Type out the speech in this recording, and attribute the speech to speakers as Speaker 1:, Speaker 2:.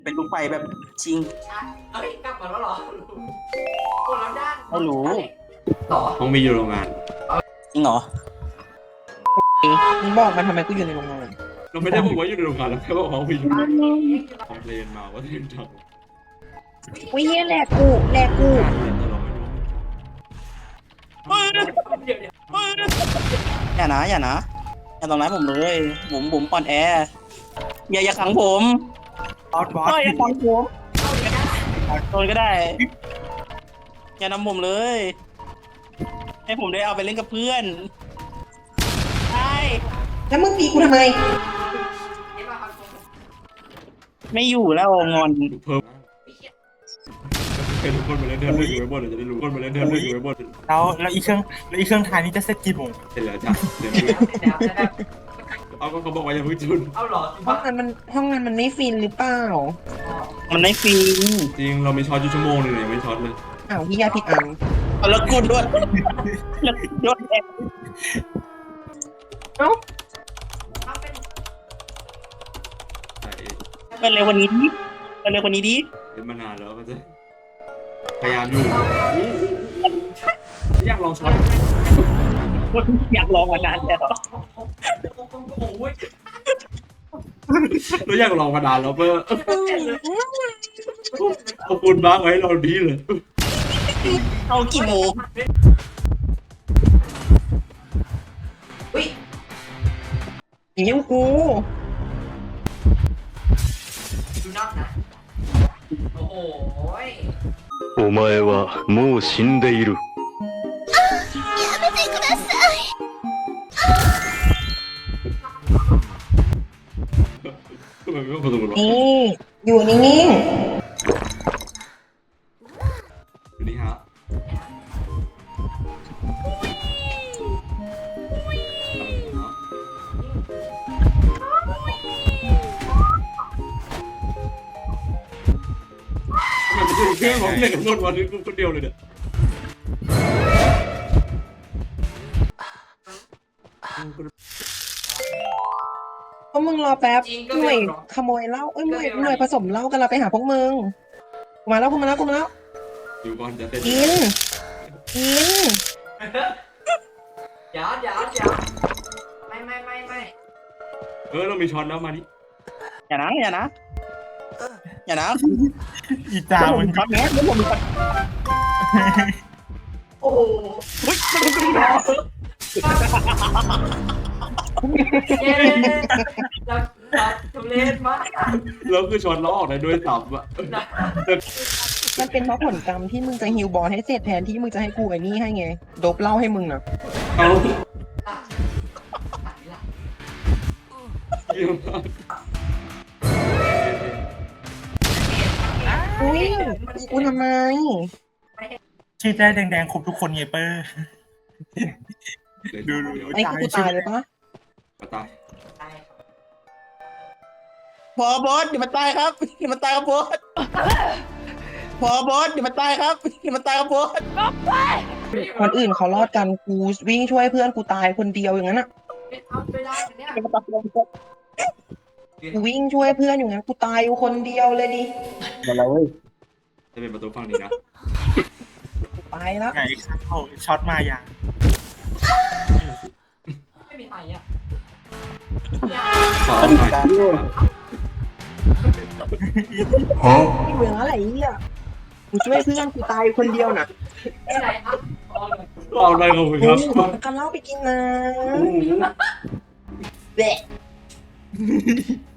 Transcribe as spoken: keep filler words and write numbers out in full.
Speaker 1: เป็นลูกไฟแบบชิง
Speaker 2: เอ้ยกลับมาแล้วเหรอคนละด้าน
Speaker 1: ไม่รู้
Speaker 2: ต่อ
Speaker 3: ห้องมีอยู่โรงงาน
Speaker 1: จริงเหรอ
Speaker 4: มึงบอกมันทำไมกูอยู่ในโรงงาน
Speaker 3: เราไม่ได้บอกว่าอยู่ในโรงงานเราแค่บอกว่าห้องมีอยู่คอมเพลนมาว่าที่ทำ
Speaker 4: อุ้ยเฮียแหลกกูแหลกกู
Speaker 3: การเรียนแต่เราไม่รู้
Speaker 2: เดี๋ยวเดี๋ยว
Speaker 1: อย่านะอย่านะอย่าทำร้ายผมเลยผมผมอ่อนแออย่าอย่าขังผม
Speaker 4: บอสบอส
Speaker 1: เฮ้ยอย่าขังผม
Speaker 2: เอาอีกนะ
Speaker 1: โดนก็ได้ อย่านำผมเลย ให้ผมได้เอาไปเล่นกับเพื่อนใช่
Speaker 4: แล้วมึงตีกูทำไม
Speaker 2: เดี๋ยวมาครับ
Speaker 1: ไม่อยู่แล้วงอน
Speaker 3: เพิ่มเป็นคนมาเล่นเดินเล่นอยู่ไว้บนจะได้รู้คนมาเล่นเดินเล่นอยู่ไว้บน
Speaker 5: แล้วแล้วอีเครื่องแล้วอีเครื่องทายนี้จะเสร็จกี่โมง
Speaker 3: เสร็จแล้วจ้ะเดี๋ยว
Speaker 2: เดี๋ยวเดี๋ยวเดี๋ยว
Speaker 3: เอาก็เขาบอกว่าอย่าเพิ่งจุน
Speaker 2: เอาเหรอ
Speaker 4: ห้องนั้นมันห้องนั้นมันไม่ฟินหรือเปล่า
Speaker 1: มันไม่ฟิน
Speaker 3: จริงเรามีช็อตอยู่ชั่วโมงนึงเลยไม่ช็อตเลย
Speaker 4: อ้าวพี่ยาผิดอัน
Speaker 1: เอาแล้วกดด้วยแล้วยศแอบ
Speaker 4: เอ้า
Speaker 2: เอาเป็น
Speaker 3: ใช่
Speaker 1: เป็นเร็วกวันนี้ดิเป็นเร็วกวันนี้ดิ
Speaker 3: เล่นมานานแล้วก็จะพยายามอยู่อยากลองช็อต
Speaker 1: อยากลองมานานแล้ว
Speaker 2: โอ้ย
Speaker 3: เราอยากลองมานานแล้วเพื่อขอบคุณบ้างไว้เราดีเลย
Speaker 1: เอากี่โมง
Speaker 2: อุ้ย
Speaker 4: อย่างนี้กู
Speaker 2: ดูนอกนะโอ้โห
Speaker 6: お前はもう死んでいる。
Speaker 3: ทำไมไม่ประตูหรอ
Speaker 4: นี่อยู่นิ่ง
Speaker 3: อยู่นี่ฮะทำไมมันจะเครื่องของเล่นกับนวดวันนี้กูคนเดียวเลยเนี่ย
Speaker 4: ๆเพราะมึงรอแป๊บหน่วยขโมยเหล้าเอ้ยหน่วยหน่วยผสมเหล้ากันเราไปหาพวกมึงกูมาแล้วกูมาแล้วกูมาแล้ว
Speaker 3: อยู่ก่อนจะเสร็จ
Speaker 4: กินกิน
Speaker 2: เดี๋ยวเดี๋ยวเดี๋ยวไม่ไม่ไม่ไม่
Speaker 3: เออเรามีช็อตแล้วมานี่
Speaker 1: อย่านะอย่านะอย่านะ
Speaker 5: อีจา
Speaker 1: ผม
Speaker 5: มัน
Speaker 1: ช็อตนะแล้วผมช็อต
Speaker 2: โอ้โห
Speaker 1: เฮ้ย
Speaker 2: เย้เราเราทุเรศมาก
Speaker 3: แล้วคือช็อตเราออกได้ด้วยตับอะ
Speaker 4: มันเป็นเพราะผลกรรมที่มึงจะฮิวบอลให้เสร็จแทนที่มึงจะให้กูไอ้นี่ให้ไงโดบเหล้าให้มึงน่ะ
Speaker 3: เอา
Speaker 2: อ่ะอันนี้ล่ะ
Speaker 3: เยี่ยมมาก
Speaker 4: อุ้ยตีกูทำไม
Speaker 5: ชื่อได้แดงๆครบทุกคนไงเปอร์ ดูดู
Speaker 4: ไอ้กูตายเลยปะ
Speaker 3: ตาย
Speaker 2: ได้ครับ
Speaker 1: พอบอสเดี๋ยวมันตายครับเดี๋ยวมันตายครับบอสพอบอสเดี๋ยวมันตายครับเดี๋ยวมันตายครับบอส
Speaker 4: คนอื่นเขารอดกันกูวิ่งช่วยเพื่อนกูตายคนเดียวอย่างนั้นอ่ะ
Speaker 2: ไม่เอาไม่ได้เนี่ย
Speaker 1: เดี๋ยวมันตายครับบอส
Speaker 4: กูวิ่งช่วยเพื่อนอยู่งั้นกูตายอยู่คนเดียวเลยดิ
Speaker 1: เดี๋ยวเราเว้ย
Speaker 3: จะเป็นประตูฝั่งนี้นะ
Speaker 4: ไปแล้ว
Speaker 5: ไงเข้าช็อตมาอย่าง
Speaker 2: ไม่มีใครอ่ะ
Speaker 3: ขอหน่อย
Speaker 4: ที่เมืองอะไรเนี่ยกูช่วยเพื่อนกูตายคนเดียวน่ะ
Speaker 2: ไม่ไรครับเอาเลย
Speaker 3: เอาอะไรขอบคุณครับ
Speaker 4: กันเล่าไปกินนะ
Speaker 3: โอ้โห
Speaker 4: แบะ